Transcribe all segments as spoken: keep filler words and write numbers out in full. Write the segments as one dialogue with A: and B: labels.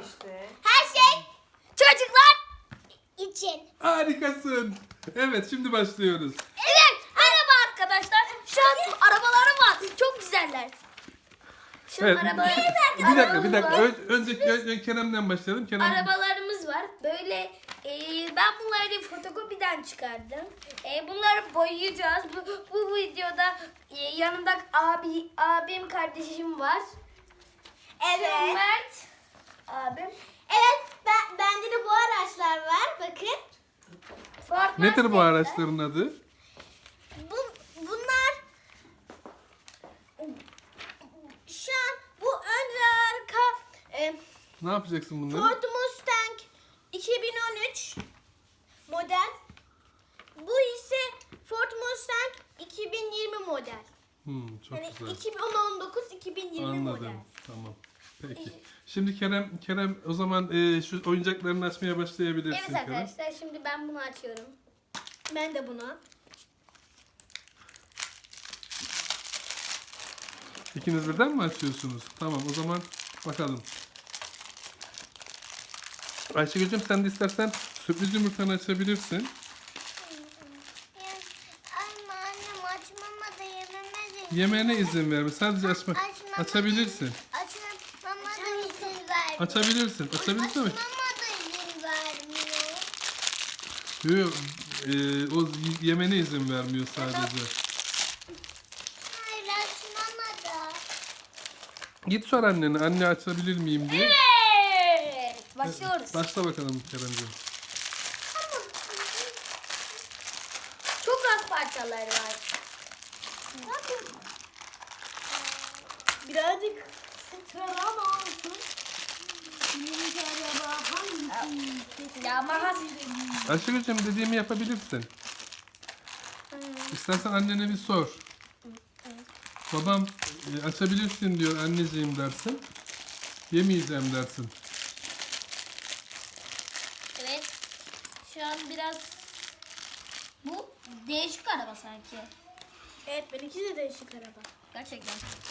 A: işte.
B: Her şey çocuklar için.
C: Harikasın. Evet, şimdi başlıyoruz.
B: Evet, merhaba arkadaşlar. Şu an arabalarım var. Çok güzeller. Şu
C: Evet.
B: arabalar.
C: Bir dakika, bir dakika. Ön, önce, önce Kerem'den başlayalım. Kerem.
B: Arabalarımız var. Böyle e, ben bunları fotokopiden çıkardım. E, bunları boyayacağız. Bu, bu videoda e, yanımda abi abim kardeşim var. Evet. Mert abim. Evet, ben bende de bu araçlar var. Bakın. Ford
C: Nedir bu
B: Mustang'ler.
C: araçların adı?
B: Bu, bunlar şu an bu ön ve arka e,
C: Ne yapacaksın bunları?
B: Ford Mustang iki bin on üç model. Bu ise Ford Mustang iki bin yirmi model.
C: Hmm, çok
B: Yani
C: güzel.
B: iki bin on dokuz iki bin yirmi model.
C: Anladım. Tamam. Peki. Şimdi Kerem, Kerem o zaman e, şu oyuncaklarını açmaya başlayabilirsin.
B: Evet
C: Kerem.
B: arkadaşlar, şimdi ben bunu açıyorum. Ben de bunu.
C: İkiniz birden mi açıyorsunuz? Tamam, o zaman bakalım. Ayşegül'cüm, sen de istersen sürpriz yumurtanı açabilirsin.
D: Ama annem açmama da yememe de.
C: Yemeğine izin verme. Sadece açma.
D: Açmama
C: Açabilirsin.
D: Açmama da izin vermiyor.
C: Açabilirsin. Açabilirsin mi?
D: Açmama da izin vermiyor.
C: Yok. E, o yemene izin vermiyor sadece.
D: Hayır açmama da.
C: Git sor annene. Anne açabilir miyim diye.
B: Evet. Başlıyoruz.
C: Başla bakalım Kerem'ciğim.
B: Çok az parçaları var. Birazcık sıçralama olsun. Ya makas.
C: Ayşegül'cüm, dediğimi yapabilirsin. İstersen annene bir sor. Babam e, açabilirsin diyor anneciğim dersin. Yemeyeceğim dersin.
B: Evet. Şu an biraz bu değişik araba sanki. Evet, benimki de değişik araba. Gerçekten.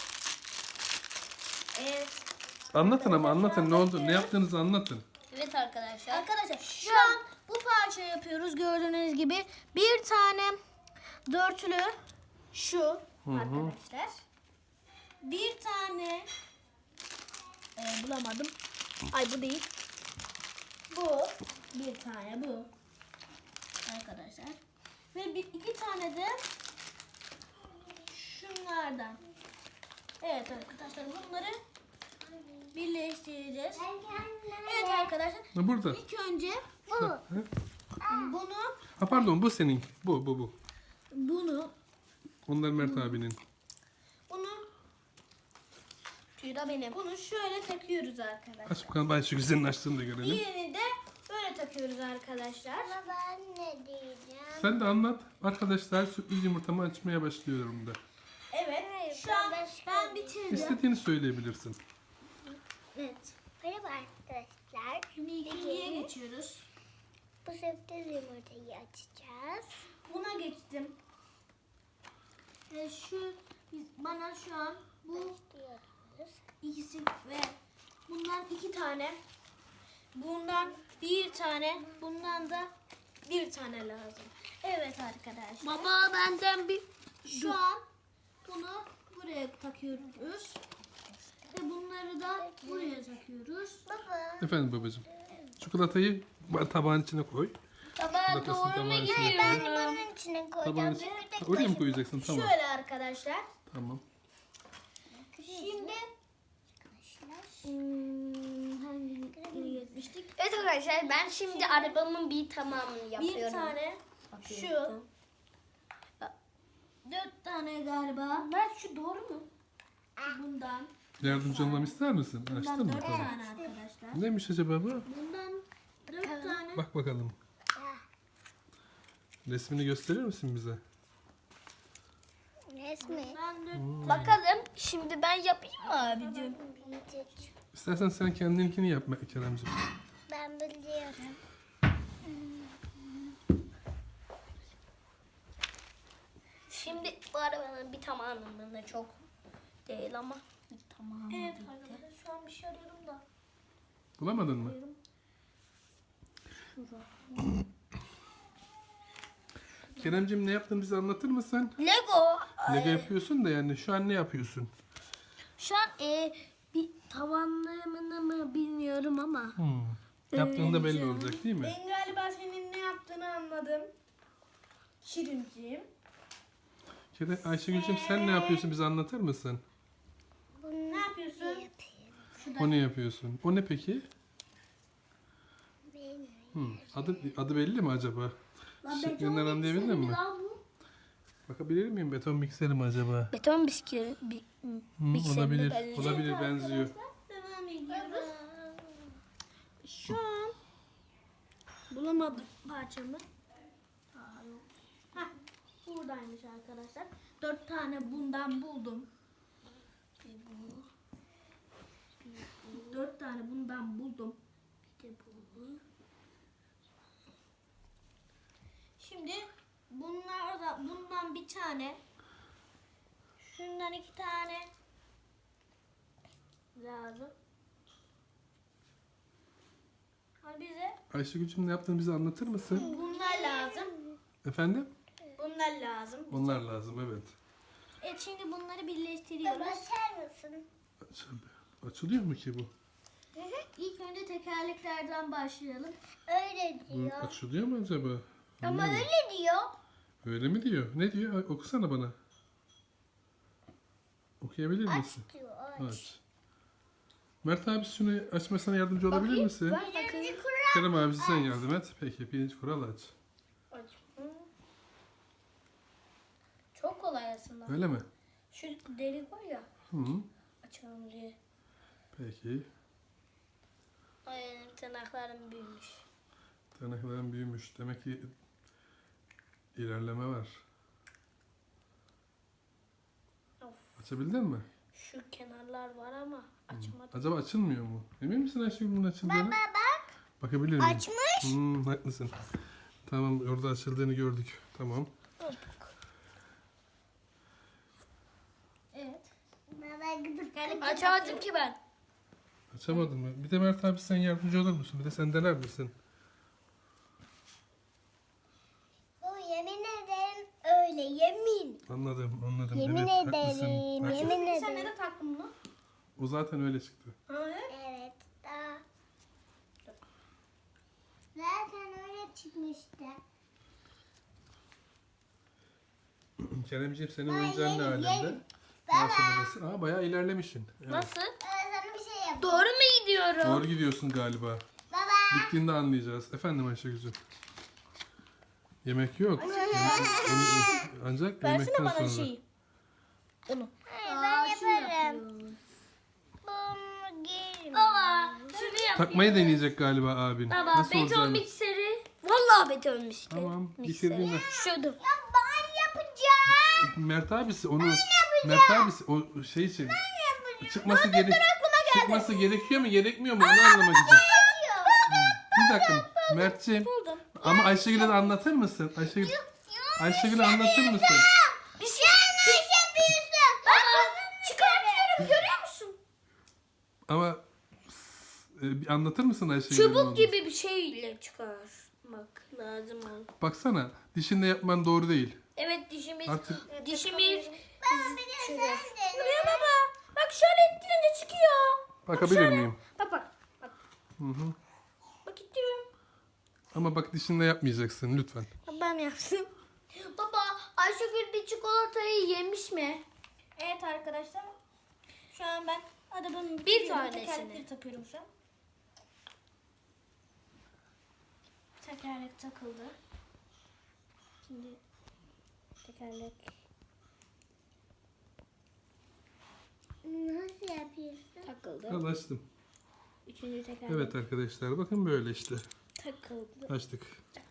B: Evet.
C: Anlatın ama anlatın, ne oldu, ne yaptığınızı anlatın.
B: Evet arkadaşlar. Arkadaşlar şu an bu parça yapıyoruz gördüğünüz gibi. Bir tane dörtlü şu arkadaşlar. Bir tane e, bulamadım. Ay bu değil. Bu bir tane bu. Arkadaşlar. Ve bir iki tane de şunlardan. Evet arkadaşlar, bunları birleştireceğiz. Evet arkadaşlar.
C: Ha, burada.
B: İlk önce
C: Ha,
B: bunu
C: ha, pardon, bu senin. Bu, bu, bu.
B: bunu
C: Onlar Mert abinin.
B: bunu şurada benim. Bunu şöyle takıyoruz arkadaşlar.
C: Aç bakalım Ayşegül, senin açtığını da görelim.
B: Diğerini de böyle takıyoruz arkadaşlar.
D: Baba ne diyeceğim?
C: Sen de anlat. Arkadaşlar, sürpriz yumurtamı açmaya başlıyorum da.
B: Evet. Şu an ben bitirdim.
C: İstediğini söyleyebilirsin.
B: Evet.
D: Merhaba arkadaşlar.
B: Şimdi ikinciye geçiyoruz.
D: Bu sürpriz yumurtayı açacağız.
B: Buna geçtim. Ve şu bana şu an bu
D: Diyoruz.
B: ikisi ve bundan iki tane, bundan bir tane, bundan da bir tane lazım. Evet arkadaşlar.
D: Baba benden bir
B: Şu an bunu buraya takıyoruz. Ve bunları da buraya takıyoruz.
D: baba.
C: Efendim babacığım. Çikolatayı tabağın içine koy.
B: Tabağa
C: Çikolatasını
B: doğru mu
C: tabağın içine
B: gidiyor?
D: Ben de
C: koy.
D: bunun içine
C: Tabağın
D: koyacağım.
C: içine.
D: Bir de
C: Ha, oraya mı koyacaksın? Tamam.
B: Şöyle arkadaşlar.
C: Tamam.
B: Şimdi hmm, hangi geçmiştik? Evet arkadaşlar, ben şimdi arabamın bir tamamını yapıyorum. Bir tane şu. Dört tane galiba. Mert şu doğru mu? Bundan.
C: Yardımcı olmamı ister misin? Açtın
B: Bundan
C: mı?
B: dört
C: Tamam.
B: tane arkadaşlar.
C: Neymiş acaba bu?
B: Bundan dört tane.
C: Bak bakalım. Resmini gösterir misin bize?
D: Resmi.
B: Ben dört... Bakalım. Şimdi ben yapayım mı abicim?
C: İstersen sen kendininkini yap Keremciğim.
D: Ben biliyorum.
B: Şimdi bu arabanın bir tamamının da çok değil ama bir tamamı. Evet arkadaşlar, şu an bir şey arıyorum da.
C: Bulamadın mı? Keremcim ne yaptın bize anlatır mısın?
B: Lego.
C: Lego yapıyorsun da yani şu an ne yapıyorsun?
B: Şu an e, bir tavanlarını mı bilmiyorum ama.
C: Hmm. Yaptığında belli olacak değil mi?
A: Ben galiba senin ne yaptığını anladım. Şirinciğim.
C: Kerem, Ayşegül'cüm sen ne yapıyorsun bize anlatır mısın?
A: Ne yapıyorsun?
C: O ne yapıyorsun? O ne peki?
D: Benim.
C: Hmm. Adı, adı belli mi acaba? Şeklinden anlayabildin mi? Bakabilir miyim? Beton mikseri mi acaba?
B: Beton bisküvi. Bi,
C: Hmm,
B: Mikseri
C: olabilir.
B: benziyor.
C: Olabilir benziyor.
A: Devam ediyoruz.
B: Şu an bulamadım parçamı. Aa, yok.
A: Heh, buradaymış arkadaşlar. Dört tane bundan buldum.
B: Bir bu.
A: Dört tane bundan buldum.
B: Bir de bu.
A: Şimdi bunlar da bundan bir tane. Şundan iki tane lazım. Ha bize
C: Ayşegül'cüm ne yaptığını bize anlatır mısın?
A: bunlar lazım.
C: Efendim?
A: Bunlar lazım.
C: Onlar lazım evet.
A: Evet şimdi bunları birleştiriyoruz.
D: Açar mısın?
C: Aç- Açılıyor mu ki bu?
A: İlk önce tekerleklerden başlayalım.
D: Öyle
C: Bu
D: diyor.
C: açılıyor mu acaba?
D: Ama
C: Bilmiyorum.
D: öyle diyor.
C: Öyle mi diyor? Ne diyor? Ay, okusana bana. Okuyabilir
D: Aç
C: misin?
D: diyor. Aç.
C: Aç. Mert abi şunu açmasına yardımcı olabilir misin?
D: Birinci kural.
C: Kerem abisi sen yardım et. Peki birinci kural aç.
B: Aç. Hı. Çok kolay aslında.
C: Öyle mi?
B: Şu delik var ya,
C: Hı.
B: açalım diye.
C: Peki.
B: Ay benim tırnaklarım büyümüş.
C: Tırnakların büyümüş. Demek ki ilerleme var.
B: Of.
C: Açabildin mi?
B: Şu kenarlar var ama açamadım.
C: Acaba açılmıyor mu? Emin misin Ayşegül bunun açıldığını?
D: Baba bak.
C: Bakabilir miyim?
D: Açmış.
C: Hmm, haklısın. Tamam orada açıldığını gördük. Tamam.
A: Evet.
D: Baba gıdık.
B: Açamadım ki ben.
C: Açamadın mı? Bir de Mert abi sen yardımcı olur musun? Bir de sen dener misin?
D: Bu yemin ederim öyle yemin.
C: Anladım anladım.
D: Yemin
C: evet,
D: ederim.
C: haklısın. Haklısın.
D: Yemin
A: Sen
D: ederim.
A: neden taktın bunu?
C: O zaten öyle çıktı.
A: Ha, evet.
D: Evet. Daha. Zaten öyle çıkmıştı.
C: Keremciğim senin
D: Ay,
C: oyuncağın ne
D: yerim,
C: halinde?
D: yerim.
C: Ne aşamadasın? Aa bayağı ilerlemişsin. Evet.
B: Nasıl?
D: Ben sana bir şey yapayım.
B: Doğru mu gidiyorum?
C: Doğru gidiyorsun galiba.
D: Baba.
C: Bittiğinde anlayacağız. Efendim Ayşegül'cüm. Yemek yok. Yemek- Ancak
A: Versene
C: yemekten
A: bana
C: sonra.
A: şeyi. Onu.
D: Hayır, ben yaparım. Bunu giyin.
B: Baba şunu yap.
C: Takmayı deneyecek galiba abin.
B: Baba
C: Nasıl
B: beton
C: olacağını.
B: mikseri. Vallahi beton mikseri.
C: Tamam bitirdiğinde.
B: Şurada.
D: Ya ben yapacağım.
C: Mert abisi onu Mert abisi o şey için çıkması gerek çıkması gerekiyor mu gerekmiyor mu onu anlamak için. Bir dakika Mertciğim ama Ayşegül'e de anlatır mısın? Ayşegül Ayşegül'e anlatır mısın?
B: Bir şey yanlış yapıyorsun. Baba çıkartıyorum görüyor musun?
C: Ama e, bir anlatır mısın Ayşegül'e? ne
B: Çubuk
C: olduğunu?
B: gibi bir şeyle çıkarmak lazım onu.
C: Baksana dişinde yapman doğru değil.
B: Evet dişimiz
C: Artık
B: dişimiz
D: Baba bir de sen de.
B: Buraya baba. Bak şöyle ittirince çıkıyor.
C: bakabilir miyim?
B: Bak bak. Bak,
C: Hı hı.
B: bak ittiriyorum.
C: Ama bak dişinde yapmayacaksın lütfen.
B: Ben yaptım. Baba Ayşegül bir çikolatayı yemiş mi?
A: Evet arkadaşlar. Şu an ben arabanın
B: Bir
A: bir
B: tanesini.
A: tekerlekleri takıyorum şu an. Tekerlek takıldı. Şimdi tekerlek.
D: Nasıl yapıyorsun?
B: Takıldı.
C: Al açtım.
A: Üçüncü tekerlek
C: Evet arkadaşlar bakın böyle işte.
A: takıldı.
C: Açtık.